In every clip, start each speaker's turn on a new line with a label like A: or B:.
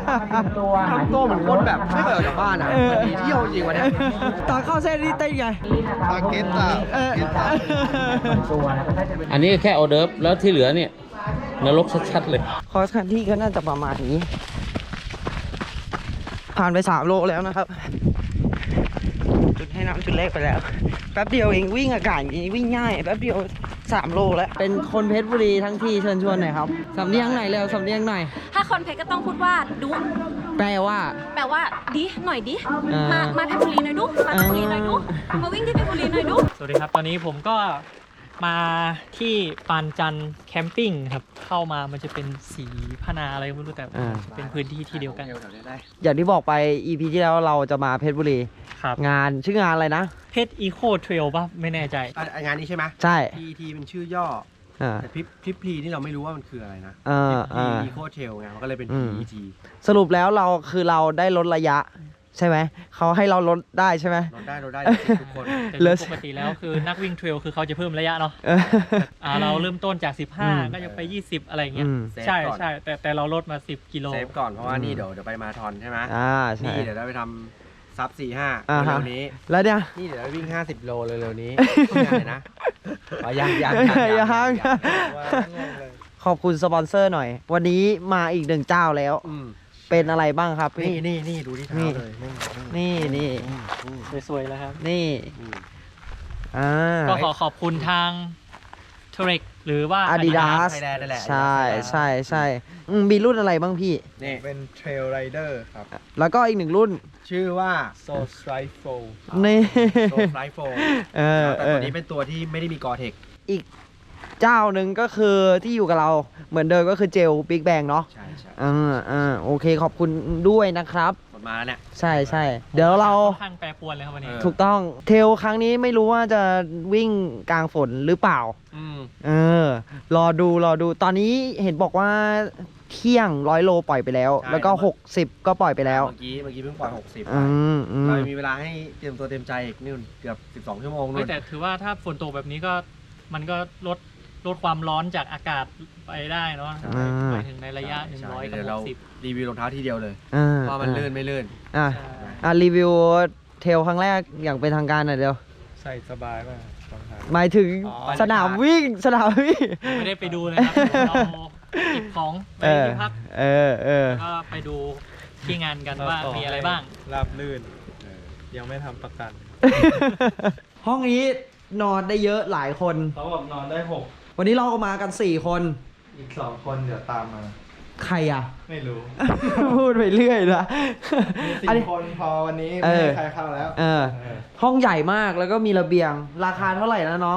A: ทำตัวเหมือนคนแบบไม่เคยออกจากบ้านอ่ะวันนี้เที่ยวจริงวันนี้
B: ตอนเข้าเส้นนี่เต้นไง
A: ปาเกตตา
C: อันนี้แค่ออเดิร์ฟแล้วที่เหลือเนี่ยนรกชัดๆเลย
B: คอร์สคันที่ก็น่าจะประมาณนี้ ผ่านไป3 โลแล้วนะครับ จุดให้น้ำจุดแรกไปแล้ว แป๊บเดียวเองวิ่งอากาศอย่างนี้วิ่งง่ายแป๊บเดียว3 โลแล้ว เป็นคนเพชรบุรีทั้งทีเชิญชวนหน่อยครับสำเนียงไหนเร็วสำเนียงหน่อย
D: ถ้าคนเพชรก็ต้องพูดว่าดุ
B: แปลว่า
D: แปลว่าดิหน่อยดิ
B: อ่าม
D: มาเพชรบุรีหน่อยดุมาเพชรบุรีหน่อยดุมาวิ่งที่เพชรบุรีหน่อยดุ
E: สวัสดีครับตอนนี้ผมก็มาที่ปานจันทร์แคมปิ้งครับเข้ามามันจะเป็นสีพนาอะไรก็ไม่รู้แต่เป็นพื้นที่ที่เดียวกัน
B: อย่างที่บอกไป EP ที่แล้วเราจะมาเพชรบุรี
E: ครับ
B: งานชื่องานอะไรนะ
E: เพชรอีโคเทรลป่ะไม่แน่ใจ
A: งานนี้ใช่ไหม
B: ใช่
A: PET เป็นชื่อย่อ
B: อ่า
A: แต่พริบพลีนี่เราไม่รู้ว่ามันคืออะไรนะ
B: อ่า
A: พริบพลี
B: อ่า
A: อีโคเทลไงมันก็เลยเป็น PET
B: สรุปแล้วเราคือเราได้ลดระยะ ใช่ไหมเขาให้เราลดได้ใช่ไหม
A: เราได้ทุกคน
E: แต่
B: เหลือ
E: ปกติแล้วคือนักวิ่งเทรลคือเขาจะเพิ่มระยะเนาะ
B: เออ
E: เราเริ่มต้นจาก
B: อืม
E: 15 ก็จะไป 20 อะไรเงี้ย
B: อืม
E: ใช่ใช่แต่เราลดมา 10 กิโล
A: เซฟก่อนเพราะว่านี่เดี๋ยวไปมาราธอนใช่ไหม
B: ใช่
A: นี่เดี๋ยวเราไปทำซับ
B: อ่า
A: 4-5
B: ฮะ
A: เร็วๆนี้
B: แล้วเนี่ย
A: นี่เดี๋ยวเราวิ่ง50 โลเร็วๆนี้ยังไงนะยัง
B: ขอบคุณสปอนเซอร์หน่อย วันนี้มาอีก1 เจ้าแล้ว เป็นอะไรบ้างครับพี่
A: นี่ดูที่เท้าเลย
B: นี่
E: สวยๆแล้วครับ
B: นี่
E: ก็ขอบคุณทางเทรกหรือว่า
B: Adidas
A: ไทยแลนด์นั่นแหละ
B: ใช่มีรุ่นอะไรบ้างพี่
A: นี่
F: เป็นเทรลไรเดอร์ครับ
B: แล้วก็อีก1 รุ่น
A: ชื่อว่า
F: โซสไตรโฟ
B: นี่
A: โซฟไลฟ์โฟ
B: แต่
A: ตัวนี้เป็นตัวที่ไม่ได้มีกอเทค
B: อีกเจ้าหนึ่งก็คือที่อยู่กับเราเหมือนเดิมก็คือเจลบิ๊กแบงเนาะ
A: ใช่
B: โอเคขอบคุณด้วยนะครับ
A: หมดมาแล้วเนี่ย
B: ใช่เดี๋ยวเรา
E: ค่อนข้างแปรปรวนเลยครับวันนี้
B: ถูกต้องเทลครั้งนี้ไม่รู้ว่าจะวิ่งกลางฝนหรือเปล่า รอดูตอนนี้เห็นบอกว่าเที่ยง100 โลปล่อยไปแล้ว แล้วก็60ก็ปล่อยไปแล้ว
A: เมื่อกี้เพิ่งปล่อย60
B: เรา
A: เรามีเวลาให้เตรียมตัวเตรียมใจอีกนู่นเกือบ12 ชั่วโมงนู่น
E: แต่ถือว่าถ้าฝนตกแบบนี้ก็มันก็ลดความร้อนจากอากาศไปได้เนาะไปถึงในระยะ 100 กับ
A: เดี๋ยวเรา
E: 60
A: รีวิวรองเท้าทีเดียวเลยว่ามันลื่นไม่ลื่น
B: รีวิวเทลครั้งแรกอย่างเป็นทางการหน่อยเดียว
F: ใส่สบายมากรองเท้า
B: หมายถึงสนามวิ่ง
E: ไม่ได้ไปดูเลยครับเราเก็บของไปที่พักแล้วก็ไปดูที่งานกันว่ามีอะไรบ้าง
F: ราบลื่นยังไม่ทำประกัน
B: ห้องนี้นอนได้เยอะหลายคน
F: เขาบอกนอนได้
B: วันนี้เราก็มากัน4 คน
F: 6 อีก 2 คนเดี๋ยวตามมา
B: ใครอ่ะ
F: ไม่รู้
B: พูดไปเรื่อยนะ
F: มี4 คนพอวันนี้ไม่มีใครเข้าแล้ว
B: ห้องใหญ่มากแล้วก็มีระเบียง ราคาเท่าไหร่นะน้อง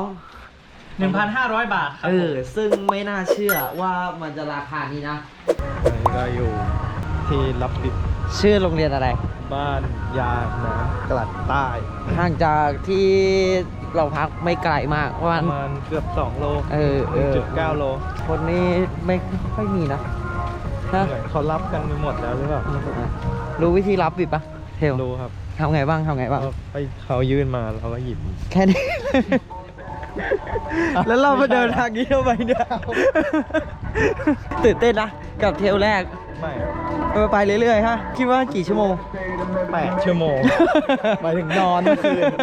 E: 1,500 บาทครับผม
B: ซึ่งไม่น่าเชื่อว่ามันจะราคานี้นะ
F: อันนี้ก็อยู่ที่รับดิบ
B: ชื่อโรงเรียนอะไร
F: บ้านยางน้ำกลัดใต้
B: ห่างจากที่เราพักไม่ไกลมากประ
F: ป
B: มาณ
F: ระมาณเกือบ2 โล 1.9 โล
B: คนนี้ไม่ค่อยมีนะ
F: เหมือนเขารับกันไปหมดแล้วหรือเปล่า
B: รู้วิธีรับบิบปะเทล
F: รู้ครับ
B: ทำไงบ้าง
F: ก็ไปเขายื่นมาเราก็หยิบ
B: แค่นี้ แล้วเรามาเดินทางนี้ทำไมเนี่ยตื่นเต้นนะกับเทลแรก
F: ไม่
B: ไปเรื่อยๆฮะคิดว่ากี่ชั่วโมง
F: 8 ชั่วโมง
B: หมายถึงนอนคืน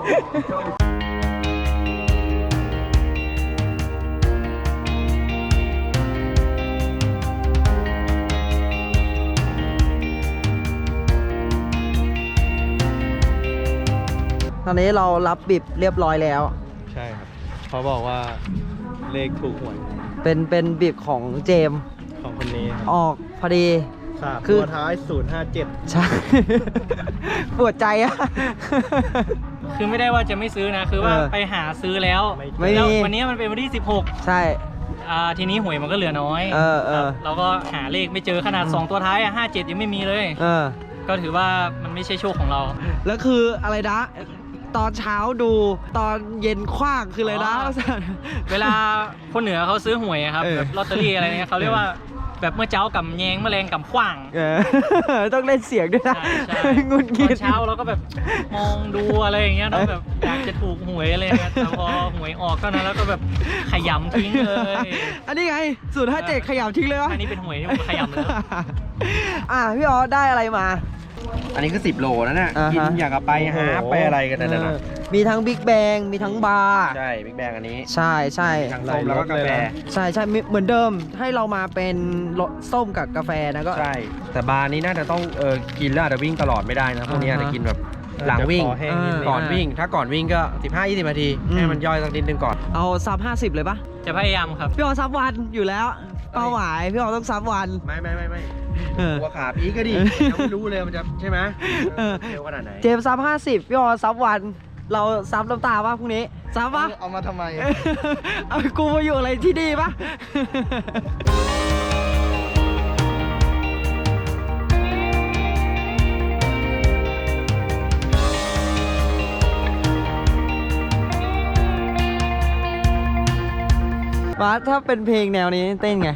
B: ตอนนี้เรารับบิบเรียบร้อยแล้ว
F: ใช่ครับเขาบอกว่าเลขถูกหวย
B: เป็นบิบของเจมส์
F: ของคนนี้ครับ
B: ออกพอดี
F: 3
B: คือ
F: ตัวท้าย 057
B: ใช่ ปวดใจอะ
E: คือไม่ได้ว่าจะไม่ซื้อนะ คือว่าไปหาซื้อแล้ว
B: ไม่มี
E: แล้ววันนี้มันเป็นวันที่ 16
B: ใช่
E: ทีนี้หวยมันก็เหลือน้อย
B: ครับ
E: เราก็หาเลขไม่เจอขนาด 2 ตัวท้าย57 ยังไม่มีเลย ก็ถือว่ามันไม่ใช่โชคของเรา
B: แล้วคืออะไรนะ ตอนเช้าดูตอนเย็นคว้างคือเลยนะ
E: เวลาคนเหนือเขาซื้อหวยอะครับแบบลอตเตอรี่อะไรเนี่ยเขาเรียกว่าแบบเมื่อเช้ากับแยงแมลงกับขว้าง
B: ต้องเล่นเสียงด้วยนะ
E: ใช่
B: งุน
E: ต
B: งิ
E: อ
B: ด
E: นเช้าเราก็แบบมองดูอะไรอย่างเงี้ยเราแบบอยากจะถูกหวยอะไรเงี้ยแต่พอหวยออกเท่านั้นแล้วก็แบบขยำทิ้งเลย
B: อันนี้ไง057ขยำทิ้งเลยวะ
E: อันนี้เป็นหวยที่ผมขยำเลย
B: พี่อ๋อได้อะไรมา
A: อันนี้คือ10 โลนะเนี่ย
B: อ่าฮะ
A: กินอยากกับไปหาไปอะไรกันนั่นน่ะ
B: มีทั้งบิ๊กแบงมีทั้งบาร์
A: ใช่บิ๊กแบงอันนี้
B: ใช่ใช่
A: ทั้งส้มแล้วก็กาแฟ
B: ใช่ใช่เหมือนเดิมให้เรามาเป็นรสส้มกับกาแฟนะก็
A: ใช่แต่บาร์นี้น่าจะต้องกินแล้วอาจจะวิ่งตลอดไม่ได้นะพวกนี้อาจจะกินแบบหลังวิ่ง
F: จะคอแห้งนิดนึง
A: ก่อนวิ่ง ถ้าก่อนวิ่งก็ 15-20 นาทีให้มันย่อยสักนิดนึงก่อน
B: เอาซับ50เลยปะ
E: จะพยายามครับ
B: พี่อ๋อซับวันอยู่แล้วเป้าหมายพี่อ๋อต้องซับวัน
A: ไม่
B: เออ
A: หัวขาพีก็ดียังไม่รู้เลยมันจะใช่ไหม
B: เออ
A: เร็วขนาดไหน
B: เจมส์ซับ50พี่อ๋อซับวัน เราซับน้ำตาป่ะพรุ่งนี้ซับปะ
F: เอามาทำไม
B: เอากูมาอยู่อะไรที่ดีปะ มาถ้าเป็นเพลงแนวนี้เต้นไง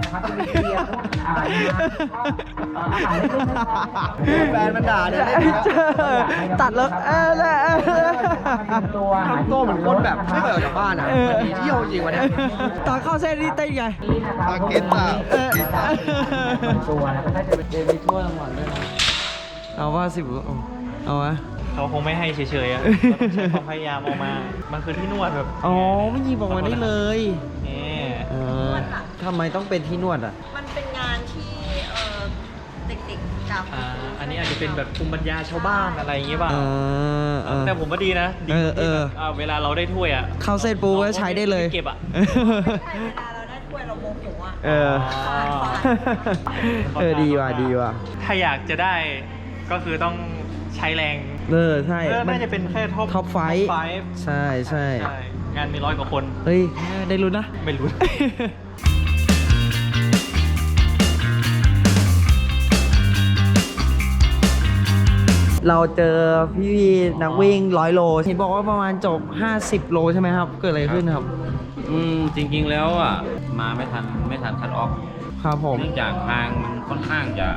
A: แฟนมันด่าเนี่ย
B: ตัดแล้ว
A: ทำตัวเหมือนคนแบบไม่เคยออกจากบ้านอ่ะมันมีเที่ยวจริงวะเนี่ย
B: ตอนเข้าเส้นนี่เต้นไง
F: ปาเก็ตอ่ะ
B: เอาว่า10เอาวะ
E: เขาคงไม่ให้เฉยๆอ่ะเราต้องใช้ความพยายามออกมา มันคือที่นวดแบบ
B: อ๋อไม่หยิบออกมาได้เลย
E: นี่
B: ทำไมต้องเป็นที่นวดอ่ะ
D: มันเป็นงานที่เด็กๆกับ
E: อันนี้อาจจะเป็นแบบภูมิปัญญาชาวบ้านอะไรอย่างเงี้ยป่ะ
B: แต่
E: แต่ผมว่าดีนะดีที่แบบเวลาเราได้ถ้วยอ่ะ
B: เข้าเส้นปูก็ใช้ได้เลย
E: เก็บอ่ะ
D: เวลาเราได้ถ้วยเราโมโหอ่ะ
B: ดีว่ะ
E: ถ้าอยากจะได้ก็คือต้องใช้แรง
B: ใช่
E: น่าจะเป็นแค่ท็อป
B: ไฟใช่ใช่
E: งานมี100 กว่าคน
B: เฮ้ยได้ลุ้นนะ
E: ไม่รู้
B: เราเจอพี่นักวิ่ง100 โลเห็นบอกว่าประมาณจบ50 โลใช่ไหมครับ เกิดอะไรขึ้นครับ
C: จริงๆแล้วอ่ะมาไม่ทันคัทออฟ
B: ครับผม
C: เนื่องจากทางมันค่อนข้างจะ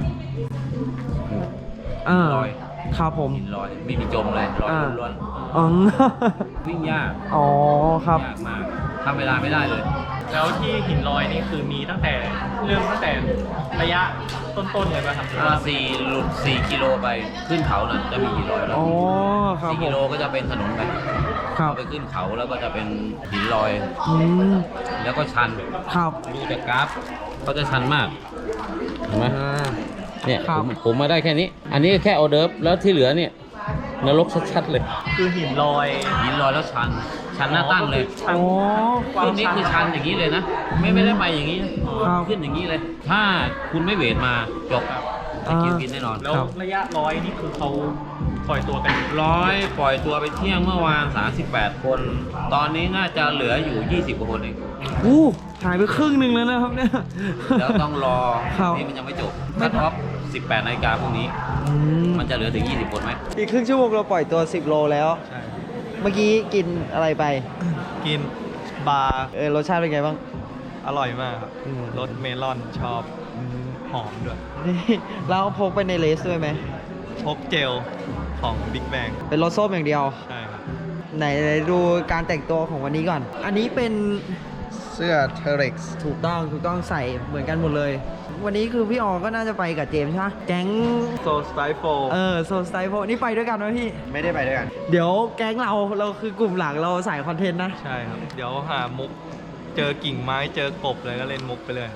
C: ลอย
B: ครับผม
C: หินลอยไม่มีจมเลยลอยล้วน
B: อ๋อ
C: ๆวิ่งยาก
B: อ๋อครับ
C: ยากมากทำเวลาไม่ได้เลย
E: แล้วที่หินลอยนี่คือมีตั้งแต่ระยะต้นๆเลยป่ะครับ
C: ถ้าหลุด4 กิโลไปขึ้นเขาน่ะจะมีหินลอยแล้ว
B: อ๋อครับ
C: 4
B: ผ
C: กิ
B: ม
C: โลก็จะเป็นถนนไป
B: ครับ
C: เอาไปขึ้นเขาแล้วก็จะเป็นหินลอย
B: อืม
C: แล้วก็ชัน
B: ครับ
C: ดูจากกราฟเขาจะชันมากเห็นไหมเนี่ย
B: ครับ
C: ผมมาได้แค่นี้ อันนี้แค่ออเดิร์ฟแล้วที่เหลือเนี่ยนรกชัดๆเลย
E: คือหินลอย
C: หินลอยแล้วชันหน้าตั้งเลย
E: ชัน
C: ตรงนี้คือชันอย่างนี้เลยนะ ไม่ได้ไปอย่างนี้นะครับ ขึ้นอย่างนี้เลย ถ้าคุณไม่เวทมาจบจะกินกินแน่นอน
E: แล้วระยะ100นี่คือเขาปล่อยตัวกัน
C: ปล่อยตัวไปเที่ยงเมื่อวาน38 คน ตอนนี้น่าจะเหลืออยู่20 กว่าคนเอง
B: อู้หายไปครึ่งหนึ่งแล้วนะครับเนี่ย
C: แล้วต้องรอ
B: ครับ
C: นี่มันยังไม่จบคัทออฟ18 นาฬิกาพรุ่งนี้ มันจะเหลือถึง 20 คนไหม
B: อีกครึ่งชั่วโมงเราปล่อยตัว10 โลแล้ว
F: ใช่
B: เมื่อกี้กินอะไรไป
F: กินบาร์
B: รสชาติเป็นไงบ้าง
F: อร่อยมากครับ
B: อืม
F: รสเมลอนชอบหอมด้วย
B: นี่เราพกไปในเลสด้วยไหม
F: พกเจลของ Big Bang
B: เป็นรสส้มอย่างเดียว
F: ใช่ครับ
B: ไหนดูการแต่งตัวของวันนี้ก่อน อันนี้เป็น
F: เสื้อ T-Rex
B: ถูกต้องใส่เหมือนกันหมดเลย วันนี้คือพี่ออก็น่าจะไปกับเจมส์ใช่ไหมแก๊ง
F: โซสไตโฟ
B: โซสไตโฟนี่ไปด้วยกันไหมพี่
A: ไม่ได้ไปด้วยกัน
B: เดี๋ยวแก๊งเราคือกลุ่มหลังเราใส่คอนเทนต์นะ
F: ใช่ครับ เดี๋ยวหามุก เจอกิ่งไม้เจอกบเลยก็เล่นมุกไปเลย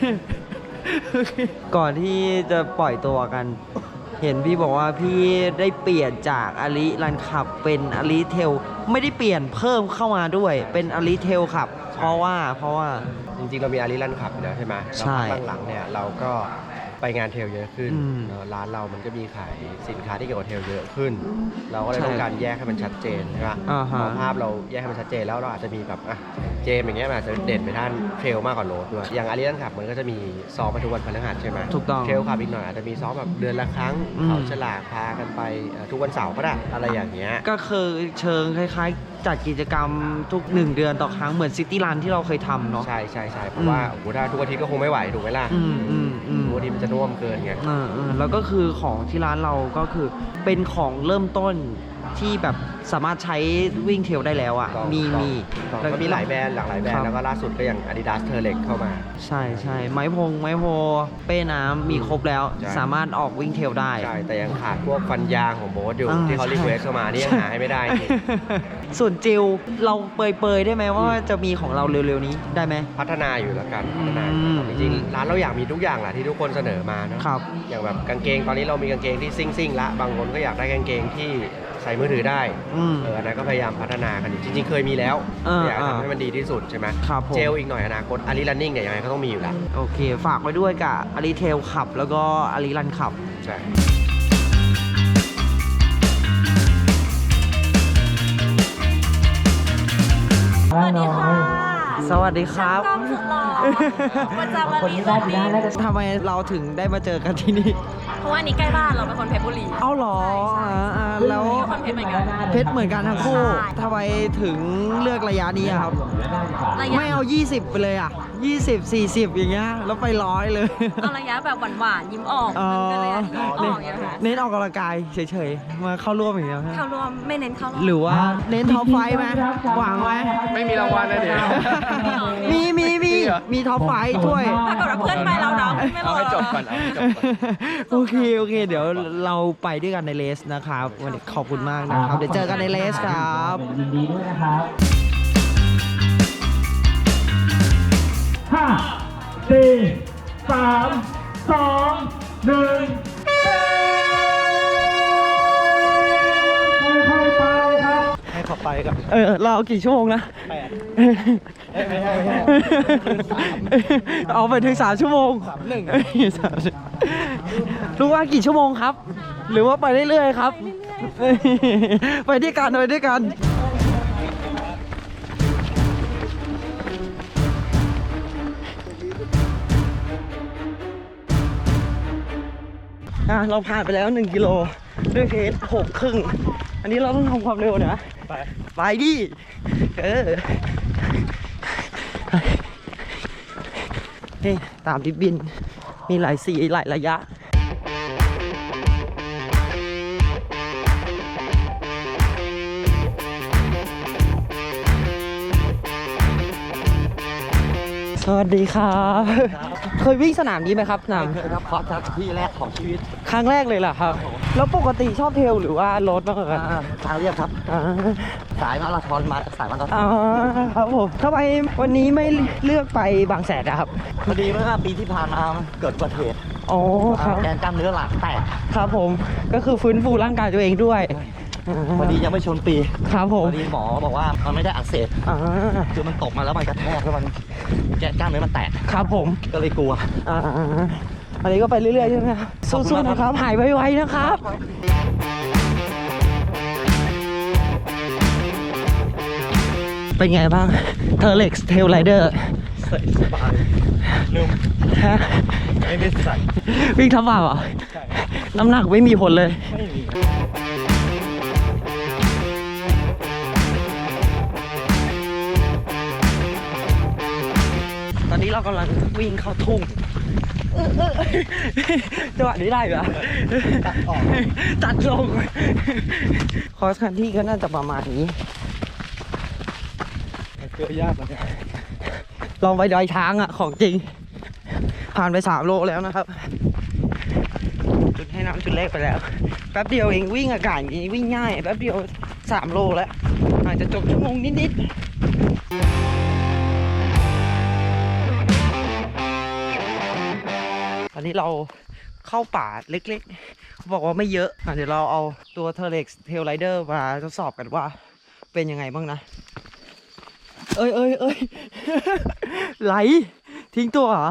B: ก่อนที่จะปล่อยตัวกัน เห็นพี่บอกว่าพี่ได้เปลี่ยนจากอลิรันขับเป็นอลิเทลไม่ได้เปลี่ยนเพิ่มเข้ามาด้วยเป็นอลิเทลขับ เพราะว่า
A: จริงๆเรามีอารีรันขับอยู่แล้วใช่ไหม
B: ใช่
A: แล้วหลังๆเนี่ยเราก็ไปงานเทรลเยอะขึ้น
B: อืม
A: ร้านเรามันก็มีขายสินค้าที่เกี่ยวกับเทรลเยอะขึ้น เราก็เลย
B: ใช่
A: ต้องการแยกให้มันชัดเจนใช่ไหม
B: อ่าฮะ
A: พอภาพเราแยกให้มันชัดเจนแล้วเราอาจจะมีแบบเจมอย่างเงี้ยมันอาจจะเด่นไปด้านเทรลมากกว่าโรดด้วยอย่างอารีรันขับมันก็จะมีซ้อมมาทุกวันพฤหัสใช่ไหม
B: ถูกต้อง
A: เทรลขับอีกหน่อยอาจจะมีซ้อมแบบเดือนละครั้ง
B: อืม
A: เขาฉลากพากันไปทุกวันเสาร์ก็ได้อะไรอย่างเงี้ย
B: ก็คือเชิงคล้ายๆจัดกิจกรรมทุก1 เดือนต่อครั้งเหมือนซิตี้รันที่เราเคยทำเนาะ
A: ใช่ใช่ใช่เพราะว่าโอ้โหถ้าทุกอาทิตย์ก็คงไม่ไหวถูกไหมล่ะทุกอาทิตย์มันจะน่วมเกินไง
B: แล้วก็คือของที่ร้านเราก็คือเป็นของเริ่มต้นที่แบบสามารถใช้วิ่งเทรลได้แล้วอ่ะมี
A: แล้วก็มีหลายแบรนด์หลากหลายแบรนด์แล้วก็ล่าสุดก็อย่าง Adidas Terrex เข้ามา
B: ใช่ไม้โพเป้น้ำมีครบแล้ว
A: ใช่
B: สามารถออกวิ่งเทรลได้
A: ใช่แต่ยังขาดพวกฟันยางของโบ๊ทอยู่ ที่เขา
B: ใช่
A: รีเควสเข้ามานี่ยังหาให้ไม่ได้จริง
B: ส่วนเจลเราเปยๆได้ไหมว่าจะมีของเราเร็วๆนี้ได้ไหม
A: พัฒนาอยู่แล้วกันพัฒนาอยู่จริงๆร้านเราอยากมีทุกอย่างแหละที่ทุกคนเสนอมาเนอะ
B: ครับ
A: อย่างแบบกางเกงตอนนี้เรามีกางเกงที่ซิ่งละบางคนก็อยากได้กางเกงที่ใส่มือถือได้ อันนั้นก็พยายามพัฒนากันอยู่จริงๆเคยมีแล้วอยากทำให้มันดีที่สุดใช่ไหม
B: ครับผม
A: เจลอีกหน่อยอนาคตอารีรันนิ่งเนี่ยยังไงก็ต้องมีอยู่แล้ว
B: โอเค ฝากไว้ด้วยกับอารีเทลขับ แล้วก็อารีรันขับ
A: ใช่
D: สวัสดีค่ะ
B: สวัสดีครับ
D: กล้องสุดหล่อประจำวันนี้เลยนี่
B: ทำไมเราถึงได้มาเจอกันที่นี่
D: เพราะว่านี่ใกล้บ้านเราเป็นคนเพชรบุรี
B: เอาเหรอ
D: ใช่
B: แล้ว
D: คนเพชรเหมือนกัน
B: เพชรเหมือนกันทั้งคู่
D: ใช่
B: ทำไมถึงเลือกระยะนี้อะครับ
D: ระยะ
B: ไม่เอา 20 ไปเลยอ่ะ 20 40 อย่างเงี้ย แล้วไป100เลย
D: เอาระยะแบบหวานๆยิ้มออกมันก็เลยยิ้มออกอย่างเงี้ยค่ะ
B: เน้นออกกำลังกายเฉยๆ มาเข้าร่วมอย่างเงี้ย
D: เข้ารวมไม่เน้นเข้ารอบ
B: หรือว่าเน้นท็อปไฟว์ไหมหวังไหม
F: ไม่มีรางวัลนะเดี๋ยว
B: มีท็อปไฟว์ถ้วย
D: ถ้าเกิดว่าเพื่อนไปเรานะไม่รอ
F: เอาให้จบก่อนเอาให้จบก่อน
B: โอเค เดี๋ยวเราไปด้วยกันในเลสนะครับวันนี้ขอบคุณมากนะครับ เดี๋ยวเจอกันในเลสครับยินดีด้วยนะครับ
F: ให้เขาไปกับ
B: เราเอากี่ชั่วโมงนะ
F: ไม่ใช่
B: เอาไปถึง3 ชั่วโมง รู้ว่ากี่ชั่วโมงครับ หรือว่าไปเรื่อยๆครับ ไปด้วยกันเราผ่านไปแล้ว1 กิโลด้วยเพจ6.5 อันนี้เราต้องทำความเร็วนะ ไปดินี่ตามที่บินมีหลายสีหลายระยะ สวัสดีครับ เคยวิ่งสนามนี้ไหมครับสนาม
G: ครับคอร์สที่แรกของชีวิต
B: ครั้งแรกเลยเหรอครับ แล้วปกติชอบเทรลหรือว่ารถมากกว่ากัน
G: ทางเรียบครับ สายมาราธอนมาสายมาราธอน
B: ครับผมทำไมวันนี้ไม่เลือกไปบางแสนนะครับ
G: พอดีเมื่อปีที่ผ่านมาเกิดอุบัติเหตุ
B: อ๋อครับ
G: แกนกล้ามเนื้อหลังแตก
B: ครับผมก็คือฟื้นฟูร่างกายตัวเองด้วย
G: พอดียังไม่ชนปี
B: ครับผ
G: พ
B: ม
G: อดีหมอบอกว่ามันไม่ได้อักเสบคือมันตกมาแล้วมันกระแทกแล้วมันแกนกล้ามเนื้อมันแตก
B: ครับผม
G: ก็เลยกลัว
B: อันนี้ก็ไปเรื่อยๆใช่ไหมครับ
G: ขอบคุณ
B: สู้ๆ
G: มาก
B: นะครับ หายไวๆนะครับ เป็นไงบ้าง Terrex Trail Rider
F: ใส่สบายนุ่ม
B: ฮะ
F: ไม่ได้ใส่
B: วิ่งทับบ่าเหรอ น้ำหนักไม่มีผลเลย
F: ไม่มี
B: ตอนนี้เรากำลังวิ่งเข้าทุ่งจังหวะนี้ได้เหรอตัดลงคอร์สคันที่ก็น่าจะประมาณนี้
F: เกือบยากเหมือนกัน
B: ลองไปดอยช้างอ่ะ ของจริง ผ่านไป3 โลแล้วนะครับ จุดให้น้ำจุดแรกไปแล้ว แป๊บเดียวเองวิ่งอากาศอย่างนี้วิ่งง่าย แป๊บเดียว3 โลแล้ว อาจจะจบชั่วโมงนิดๆตอนนี้เราเข้าป่าเล็กๆเขาบอกว่าไม่เยอะเดี๋ยวเราเอาตัว Terrex Trail Rider มาทดสอบกันว่าเป็นยังไงบ้างนะ เอ้ย ไหลทิ้งตัวเหรอ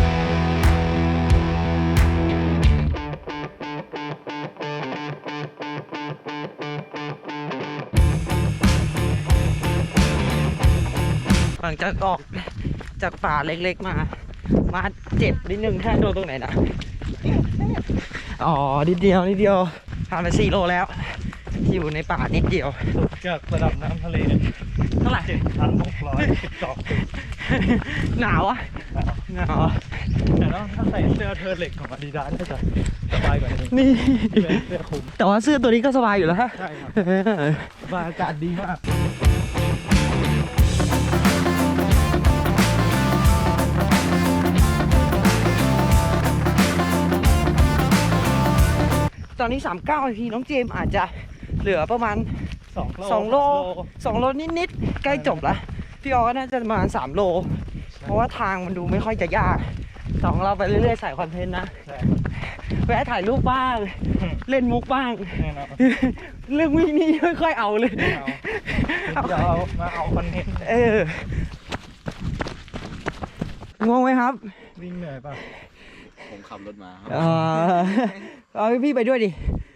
B: หลังจากออกจากป่าเล็กๆมาเจ็บนิดนึงแค่โดนตรงไหนนะ อ๋อนิดเดียวผ่านไป4 โลแล้วอยู่ในป่านิดเดียว
F: จากระดับน้ำทะเล
B: เท่าไหร่
F: 7,612 ฟีต
B: หนาวอ่ะหนาวอะ
F: แต่ถ้าใส่เสื้อเทอร์เล็กของอาดิดาสก็จะสบายกว่านี้
B: นี่
F: ที่เป็นเสื้อคลุม
B: แต่ว่าเสื้อตัวนี้ก็สบายอยู่แล้วฮะ
F: ใช่ครับบรรยากาศดีมาก
B: ตอนนี้39นาทีน้องเจมส์อาจจะเหลือประมาณ 2 โล 2 โลนิดๆใกล้จบละพี่ออก็น่าจะประมาณ3 โล เพราะว่าทางมันดูไม่ค่อยจะยาก2เราไปเรื่อยๆใส่คอนเทนต์นะ
F: ใช่
B: แวะถ่ายรูปบ้าง เล่นมุกบ้าง
F: แน่นอน
B: เรื่องวิ่งนี่ไม่ค่อยเอาเลย
F: เดี๋ยวเอามาเอาคอนเทนต์
B: งงไหมครับ
F: วิ่งเหนื่อยป่ะ
G: ผมขับรถมาครับ
B: เอาพี่ไปด้วยดิ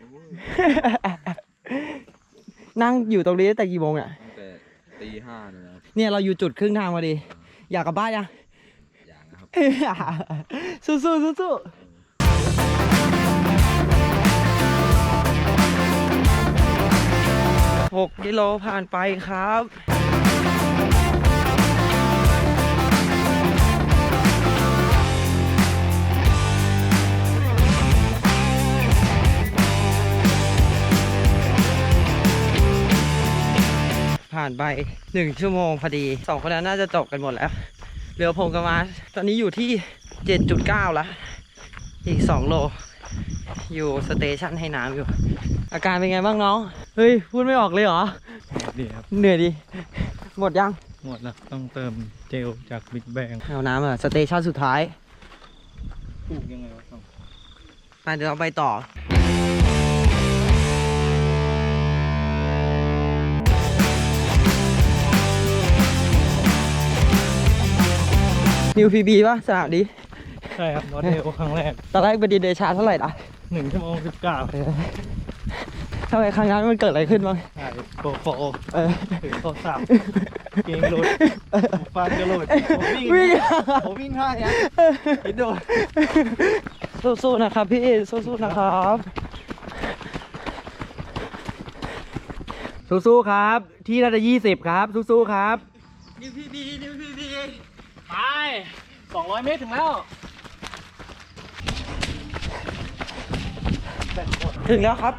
B: นั่งอยู่ตรงนี้ตั้งแต่กี่โมงอ่ะ
G: ตั้งแต่ตี 5เลยนะครับ
B: เนี่ยเราอยู่จุดครึ่งทางพอดี อยากกลับบ้านยัง
G: อย่างนะครับ
B: สู้ๆสู้ๆ6 กิโลผ่านไปครับ ผ่านไป1 ชั่วโมงพอดี2 คนนั้นน่าจะจบกันหมดแล้วเหลือผมกับมาร์ชตอนนี้อยู่ที่ 7.9 แล้ว อีก 2 โล อยู่สเตชันให้น้ำอยู่ อาการเป็นไงบ้างน้อง เฮ้ย พูดไม่ออกเลยเหรอ
F: ดีครับ
B: เหนื่อยดิ หมดยัง
F: หมดแล้วต้องเติมเจลจากบิ๊กแบง
B: เอาน้ำอ่ะ สเตชันสุดท้าย
F: ปลูกยังไงวะต้อง
B: ไปเดี๋ยวเราไปต่อ นิวพีบีป่ะสนามนี้
F: ใช่ครับนอตเดลครั้งแรก
B: ตอนแรกเป็นดีเดชาเท่าไหร่นะ
F: 1 ชั่วโมง 19
B: ทำไมครั้งนั้นมันเกิดอะไรขึ้นบ้าง
F: ใช่โกโฟ ถือโทรศัพท์เกงหลุดฟันก็หลุดผมวิ่งท่าเนี้ยคิดดู
B: สู้ๆนะครับพี่ สู้ๆนะครับ
A: สู้ๆครับ ที่น่าจะ20 ครับ สู้ๆครับ
B: นิวพีบี
E: ไป 200 เมตรถึงแล้ว
B: ถึงแล้วครับ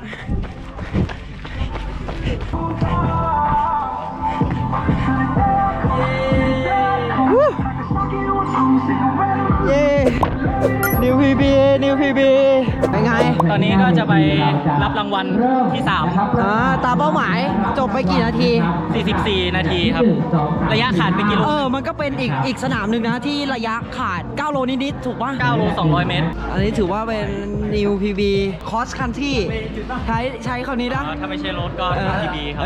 B: เย้นิวพีบีเป็นไง
E: ตอนนี้ก็จะไปรับรางวัลที่
B: ตามเป้าหมายจบไปกี่นาที
E: 3 44 นาทีครับ ระยะขาดไปกิโล
B: มันก็เป็นอีกสนามหนึ่งนะที่ระยะขาด 9 โลนิดๆถูกป่ะ
E: 9 โล 200 เมตร
B: อันนี้ถือว่าเป็น New PB Cross Country ใช้คำนี้นะ
E: ถ้าไม่ใช่รถก็ PB ครับ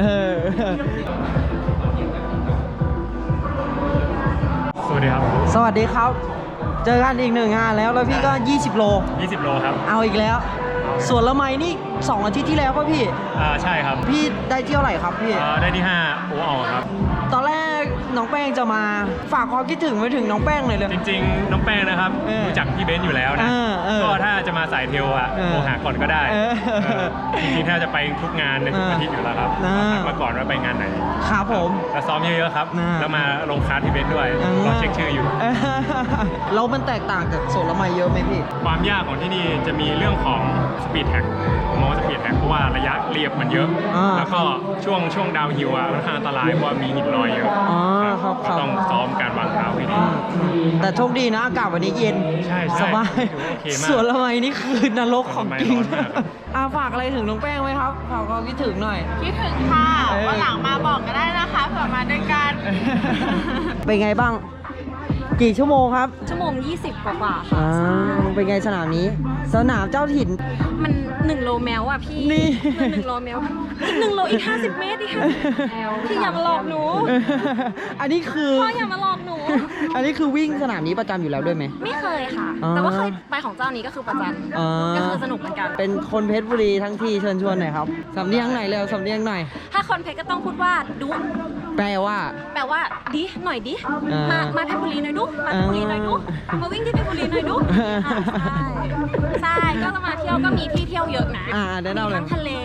F: สวัสดีครับ
B: สวัสดีครับ เจอกันอีก1 งานแล้วพี่ก็ 20 โล
F: 20 โลครับ
B: เอาอีกแล้ว ส่วนละไมนี่ 2 อาทิตย์ที่แล้วป่ะพี่
F: ใช่ครับ
B: พี่ได้เที่ยวไหนครับพี่
F: ได้ที่ 5 โอออกครับ
B: ตอนแรกน้องแป้งจะมาฝากความคิดถึงไว้ถึงน้องแป้งหน่อยเลย
F: จริงๆ น้องแป้งนะครับ รู้จักพี่เบนซ์อยู่แล้วนะ ก็ถ้าจะมาสายเทลอะโทรหาก่อนก็ได้ จริงๆ ถ้าจะไปทุกงานในทุกอาทิตย์อยู่แล้วครับทักมาก่อนว่าไปงานไหน
B: ครับผม
F: แล้วซ้อมเยอะๆครับ แล้วมาลงคลาสพี่เบนซ์ด้วยรอเช็คชื่ออยู่
B: แล้วมันแตกต่างจากโซนละไมเยอะไหมพี่
F: ความยากของที่นี่จะมีเรื่องของสปีดแท็กมองสปีดแท็กเพราะว่าระยะเรียบมันเยอะ แล้วก็ช่วงดาวฮิลอะค่อนข้างอันตรายเพราะว่ามีหินลอยเยอะ
B: ครับ
F: ก็ต้องซ้อมการวางเท้าให้ดี
B: แต่โชคดีนะอากาศวันนี้เย็น
F: ใช่
B: สบาย
F: ถือว่าโอเคมาก
B: ส่วนละไมนี่คือนรกของจริง
F: ร้อนมากครับ
B: ฝากอะไรถึงน้องแป้งไหมครับฝากความคิดถึงหน่อย
D: คิดถึงค่ะวันหลังมาบอกก็ได้นะคะเผื่อมาด้วยกัน
B: เป็นไงบ้าง กี่ชั่วโมงครับ
D: ชั่วโมง 20 กว่าๆค่ะ
B: เป็นไงสนามนี้ สนามเจ้าถิ่น
D: มัน1 โลแมวอ่ะพี่
B: นี่
D: มัน1 โลแมวอีก1 โลอีก 50 เมตรอีก50แมวพี่อย่ามาหลอกหนู
B: อันนี้คือ
D: พ่ออย่ามาหลอกหนู
B: อันนี้คือวิ่งสนามนี้ประจำอยู่แล้วด้วยไหม
D: ไม่เคยค่ะ
B: อ๋อ
D: แต่ว่าเคยไปของเจ้านี้ก็คือประจันก็คือสนุกเหมือนกัน
B: เป็นคนเพชรบุรีทั้งทีเชิญชวนหน่อยครับสำเนียงไหนเร็วสำเนียงหน่อย
D: ถ้าคนเพชรก็ต้องพูดว่าดุ
B: แปลว่า
D: แปลว่าดิหน่อยดิ
B: อ่า
D: มาเพชรบุรีหน่อยดุมาเพชรบุรีหน่อยดุมาวิ่งที่เพชรบุรีหน่อยดุใช่ก็จะมาเที่ยวก็มีที่เที่ยวเยอะนะ
B: แนะนำ
D: มี
B: เลย
D: ทั้งทะเลมี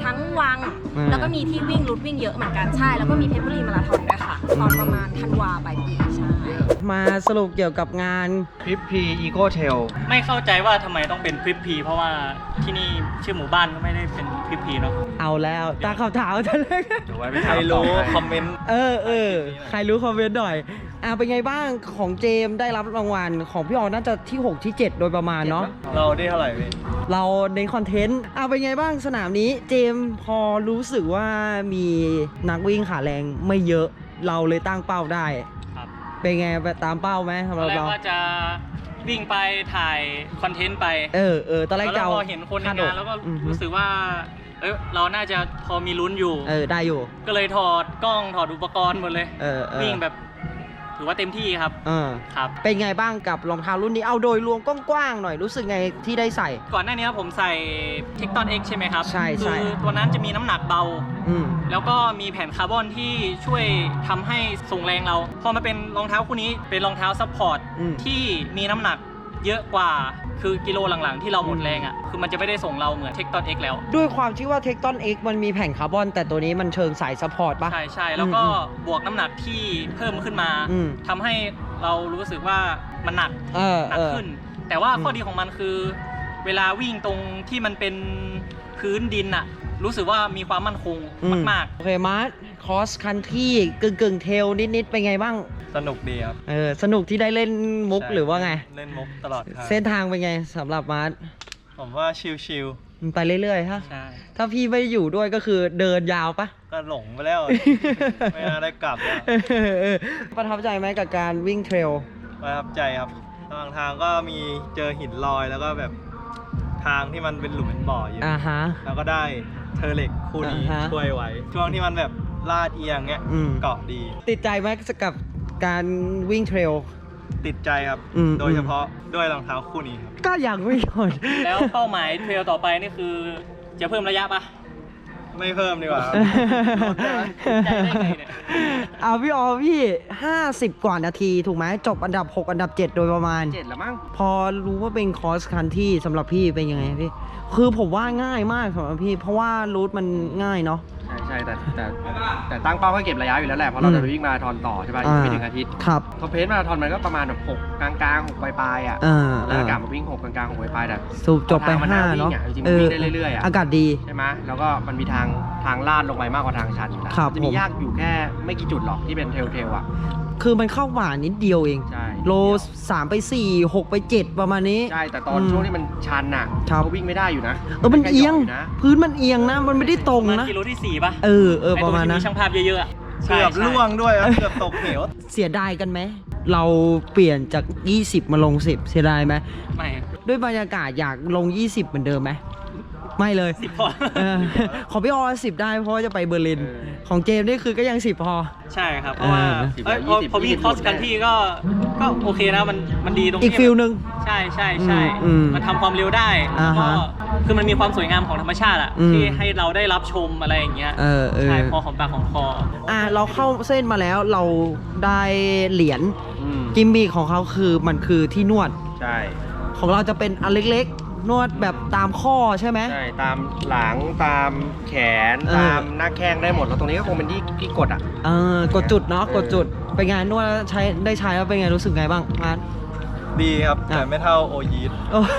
D: ทั้งวัง แล้วก็มีที่วิ่งรูทวิ่งเยอะเหมือนกันใช่แล้วก็มีเพชรบุรีมาราธอนด้วยค่ะตอนประมาณธันวาปลายปีใช่
B: มาสรุปเกี่ยวกับงาน
A: พริปพีอีโก้เทล
E: ไม่เข้าใจว่าทำไมต้องเป็นพริปพีเพราะว่าที่นี่ชื่อหมู่บ้านก็ไม่ได้เป็นพริปพีเนาะ
B: เอาแล้วตาขาวถามจะเลย
A: เดี๋ยวไว้ไปถามต่อให้
G: คอมเมนต์
B: ใครรู้คอมเมนต์หน่อยเป็นไงบ้างของเจมส์ได้รับรางวัลของพี่ออน่าจะที่ 6 ที่ 7 โดยประมาณเนาะ
G: เราได้เท่าไหร่พี่
B: เราในคอนเทนต์เป็นไงบ้างสนามนี้เจมส์พอรู้สึกว่ามีนักวิ่งขาแรงไม่เยอะเราเลยตั้งเป้าได้
E: ครับ
B: เป็นไงไปตามเป้าไหมสำห
E: ตอ
B: รับ
E: นแรก
B: เรา
E: ว่าจะวิ่งไปถ่ายคอนเทนต์ไป
B: ตอนแรก
E: แล้ว
B: จะเอา
E: พอเห็นคนในงานแล้วก็
B: อือฮึ
E: รู้สึกว่าเราน่าจะพอมีลุ้นอยู่
B: ได้อยู่
E: ก็เลยถอดกล้องถอดอุปกรณ์หมดเลย วิ่งแบบถือว่าเต็มที่ครับ ครับ
B: เป็นไงบ้างกับรองเท้ารุ่นนี้เอาโดยรวมกว้างๆหน่อยรู้สึกไงที่ได้ใส่
E: ก่อนหน้านี้ผมใส่ Tecton X ใช่ไหมครับ
B: ใช่
E: คือตัวนั้นจะมีน้ำหนักเบา
B: อืม
E: แล้วก็มีแผ่นคาร์บอนที่ช่วยทำให้ส่งแรงเรา พอมาเป็นรองเท้าคู่นี้เป็นรองเท้าซัพพอร์ตที่มีน้ำหนักเยอะกว่าคือกิโลหลังๆที่เราหมดแรงอ่ะคือมันจะไม่ได้ส่งเราเหมือน Tecton X แล้ว
B: ด้วยความที่ว่า Tecton X มันมีแผ่นคาร์บอนแต่ตัวนี้มันเชิงสายซัพพอร์ตปะ
E: ใช่แล้วก็บวกน้ำหนักที่เพิ่มขึ้นมาทำให้เรารู้สึกว่ามันหนักขึ้น แต่ว่าข้อดีของมันคือ เวลาวิ่งตรงที่มันเป็นพื้นดินอะรู้สึกว่ามีความมั่นคงมาก
B: โอเคมาร์ทคอสคันที่กึ่งเทลนิดๆเป็นไงบ้าง
G: สนุกดีครับ
B: สนุกที่ได้เล่นมุกหรือว่าไง
G: เล่นมุกตลอดทาง
B: เส้นทางเป็นไงสำหรับมาร์ท
G: ผมว่าชิล
B: มันไปเรื่อยๆฮะ
E: ๆ ใช่
B: ถ้าพี่ไม่อยู่ด้วยก็คือเดินยาวปะ
G: ๆ ก็หลงไปแล้ว ไม่น่าได้กลับแล้ว
B: ประทับใจไหมกับการวิ่งเทรล
G: ประทับใจครับระหว่างทางก็มีเจอหินลอยแล้วก็แบบทางที่มันเป็นหลุมเป็นบ่ออยู่
B: ฮะ
G: แล้วก็ได้เทอร์เล็กคู่นี้
B: อ่าฮะ
G: ช่วยไว้ ช่วงที่มันแบบลาดเอียงเงี้ย เกาะดี
B: ติดใจไหมกับการวิ่งเทรล
G: ติดใจครับ โดยเฉพาะด้วยรองเท้าคู่นี้ครับ
B: ก็อยากวิ่งก่อน
E: แล้วเป้าหมายเทรลต่อไปนี่คือจะเพิ่มระยะปะ
G: ไม่เพิ่มดีกว่าครับ
E: ใจได้ไงเนี่ย
B: พี่ออพี่ 50 กว่านาทีถูกไหมจบอันดับ 6 อันดับ 7 โดยประมาณ
A: 7แล้วมั้ง
B: พอรู้ว่าเป็นคอร์สคันที่สำหรับพี่เป็นยังไงพี่ คือผมว่าง่ายมากสำหรับพี่ เพราะว่ารูทมันง่ายเนาะ
A: ใช่แต่ตั้งเป้าก็เก็บระยะอยู่แล้วแหละเพราะเราจะไปวิ่งมาราธอนต่อใช่ป่ะอีกไม่ถึงอาทิตย์
B: ครับ
A: ท็อปเพสมาราธอนมันก็ประมาณแบบ6กลางๆ6ปลายๆอ่ะแล้วกลับมาวิ่ง6กลางๆ6ปลายๆแต่
B: สูบจบไป
A: ทงมันน่
B: 5 เนาะ
A: วิ่งจริงๆมันวิ่งได้เรื่อยๆอ่ะ
B: อากาศดี
A: ใช่ไหมแล้วก็มันมีทางลาดลงไปมากกว่าทางชันอยู่แล้ว
B: ครับ
A: จะมียากอยู่แค่ไม่กี่จุดหรอกที่เป็นเทลอ่ะ
B: คือมันเข้าหวานนิดเดียวเอง
A: ใช่
B: โล 3 ไป 4 6 ไป 7 ประมาณนี้
A: ใช่แต่ตอนช่วงที่มันชันอ่ะ
B: ครับ
A: ก็วิ่งไม่ได้อยู่นะ
B: มันเอียง
A: นะ
B: พื้นมันเอียงนะ มันไม่ได้ตรง
E: ประมาณ
B: นะ
E: กิโลที่ 4 ป่ะ
B: ประมาณ
E: ไอ้ตง
B: นะ
E: ที่มีช่างภาพเยอะๆอะ
G: เกือบ
E: ใช่
G: ล่วงด้วยครับ เกือบตกเหว
B: เสียดายกันไหม เราเปลี่ยนจาก 20 มาลง 10 เสียดายไหม
E: ไม่
B: ด้วยบรรยากาศอยากลง 20 เหมือนเดิมไหม ไม่เลย
E: 10 พอ
B: ของพี่ออ10 ได้เพราะว่าจะไปเบอร์ลิน ของเจมส์นี่คือก็ยัง 10 พอ
E: ใช่ครับ เพราะว่า
A: 10
E: พอวิ่งคอสกันที่ก็โอเคนะมันดีตรง
B: อีก
E: ที่
B: ฟิลหนึ่ง
E: ใช่
B: อืม
E: มันทำความเร็วได้
B: อ่า
E: แล้วก็
B: ฮะ
E: คือมันมีความสวยงามของธรรมชาติอะ
B: อืม
E: ที่ให้เราได้รับชมอะไรอย่างเงี้ย ใช่พอของปากของคอ
B: เราเข้าเส้นมาแล้วเราได้เหรียญ กิมมิคของเขาคือมันคือที่นวด
A: ใช่
B: ของเราจะเป็นอันเล็กๆ นวดแบบตามข้อใช่ไหม
A: ใช่ตามหลังตามแขน
B: เออ
A: ตามหน้าแข้งได้หมดแล้วตรงนี้ก็คงเป็นที่กดอ่ะ
B: กดจุดเนาะกดจุดเป็นไงนวดแล้วได้ใช้แล้วเป็นไงรู้สึกไงบ้างมาร์ท
G: ดีครับ แต่ไม่เท่าโอยีด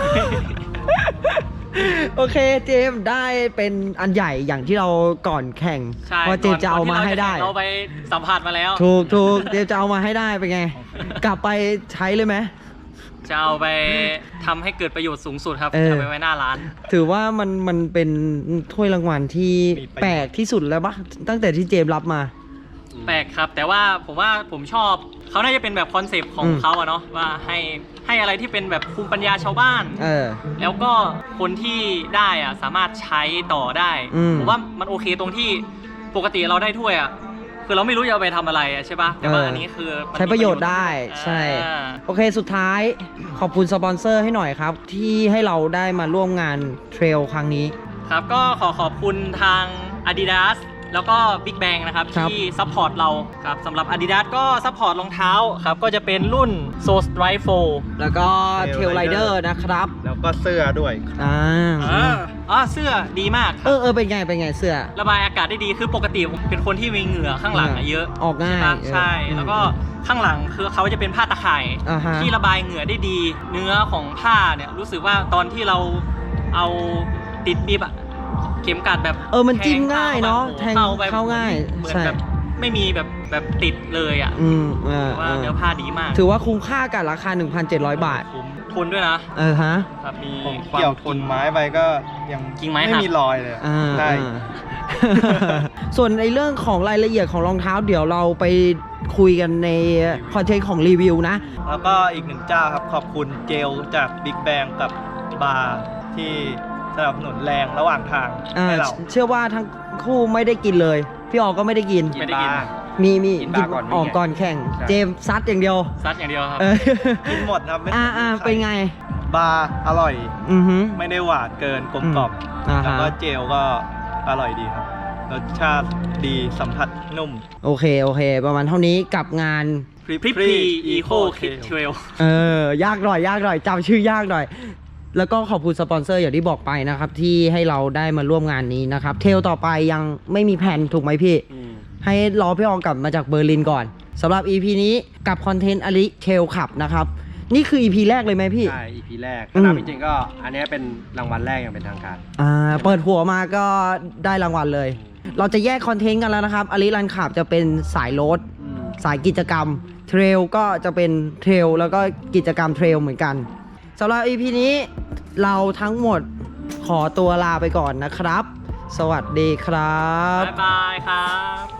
B: โอเคเจมส์ได้เป็นอันใหญ่อย่างที่เราก่อนแข่ง
E: ใช่
B: เพราะเจมส์จะเอามาให้ได้
E: เราไปสัมผัสมาแล้ว
B: ถูกเจมส์จะเอามาให้ได้เป็นไง กลับไปใช้เลยไหม
E: จะเอาไปทำให้เกิดประโยชน์สูงสุดครับ
B: เออ
E: จะไปไว้หน้าร้าน
B: ถือว่ามันเป็นถ้วยรางวัลที่
G: มีประโยชน์
B: แปลกที่สุดแล้วปะตั้งแต่ที่เจมส์รับมา
E: แปลกครับ แต่ว่าผมชอบเขาน่าจะเป็นแบบคอนเซปต์ของเขาอะเนาะว่าให้อะไรที่เป็นแบบภูมิปัญญาชาวบ้าน แล้วก็คนที่ได้อะสามารถใช้ต่อได้ ผมว่ามันโอเคตรงที่ปกติเราได้ถ้วยอะคือเราไม่รู้จะเอาไปทำอะไรอะใช่ปะแต่ว่าอันนี้คือมัน
B: ใช้ประโยชน์ได้ใช่
E: อ่า
B: โอเคสุดท้ายขอบคุณสปอนเซอร์ให้หน่อยครับ ที่ให้เราได้มาร่วมงานเทรลครั้งนี้
E: ครับก็ขอบคุณทาง Adidas แล้วก็ Big Bang นะครับ
B: ครับ
E: ที่ซัพพอร์ตเราครับสำหรับ Adidas ก็ซัพพอร์ตรองเท้าครับก็จะเป็นรุ่น Soul Strike 4
B: แล้วก็เทลไรเดอร์นะครับ
G: แล้วก็เสื้อด้วย
E: เสื้อดีมากครับ
B: เป็นไงเสื้อ
E: ระบายอากาศได้ดีคือปกติผมเป็นคนที่มีเหงื่อข้างหลังเยอะ
B: ออกง่าย
E: ใช่ปะใช่ แล้วก็ข้างหลังคือเขาจะเป็นผ้าตะข่าย
B: อ่าฮะ
E: ที่ระบายเหงื่อได้ดี เนื้อของผ้าเนี่ยรู้สึกว่าตอนที่เราเอาติดบิบอะเข็มกัดแบบ
B: มันจิ้มง่ายเนาะแทง
E: ไป
B: เข้าง่าย
E: เหมือน
B: ใช่
E: แบบไม่มีแบบติดเลยอะว่าเนื้อผ้าดีมาก
B: ถือว่าคุ้มค่ากับราคา 1,700 บาท
E: คุ้มทนด้วยนะ
B: ฮะ
E: ครับมี
G: ผม
E: ความ
G: เกี่ยวทนไม้ไปก็ยัง
E: กิ่งไม้
G: ไม่
E: หัก
G: มีรอยเลยอะได้
B: ส่วนในเรื่องของรายละเอียดของรองเท้าเดี๋ยวเราไปคุยกันในคอนเทนต์ของรีวิวนะ
G: แล้วก็อีกหนึ่งเจ้าครับขอบคุณเจลจาก Big Bang กับบาร์ที่สนับสนุนแรงระหว่างทางให้เรา
B: เชื่อว่าทั้งคู่ไม่ได้กินเลย พี่ออกก็ไม่ได้กิน
E: ไม่ได้กิน
B: มี
A: กินบาร์ก่อนวิ่ง
B: ออกก่อนแข่ง
A: ใช่
B: เจมส์ซัดอย่างเดียว
E: ซัดอย่างเดียวครับ
G: กินหมดครับไม่
B: เป็นไง
G: บาร์อร่อย
B: อือฮึ
G: ไม่ได้หวานเกินกลมกล่อม
B: อ่าฮะ
G: แล้วก็เจลก็อร่อยดีครับรสชาติดีสัมผัสนุ่ม
B: โอเค ประมาณเท่านี้กับงาน
E: พริปรีอีโคคิดเทรล
B: ยากหน่อยจำชื่อยากหน่อย แล้วก็ขอบคุณสปอนเซอร์อย่างที่บอกไปนะครับ ที่ให้เราได้มาร่วมงานนี้นะครับ เทลต่อไปยังไม่มีแผนถูกไหมพี่ ให้รอพี่อองกลับมาจากเบอร์ลินก่อนสำหรับ EP นี้กับคอนเทนต์อลิเทลขับนะครับ นี่คือ EP แรกเลยไหมพี่
A: ใช่ EP แรกถ้านับจริงๆก็อันนี้เป็นรางวัลแรกอย่างเป็นทางการ
B: เปิดหัวมาก็ได้รางวัลเลย เราจะแยกคอนเทนต์กันแล้วนะครับอลิรันขับจะเป็นสายรถสายกิจกรรมเทรลก็จะเป็นเทรลแล้วก็กิจกรรมเทรลเหมือนกันสำหรับ EP นี้เราทั้งหมดขอตัวลาไปก่อนนะครับ สวัสดีครับ
E: บ๊ายบายครับ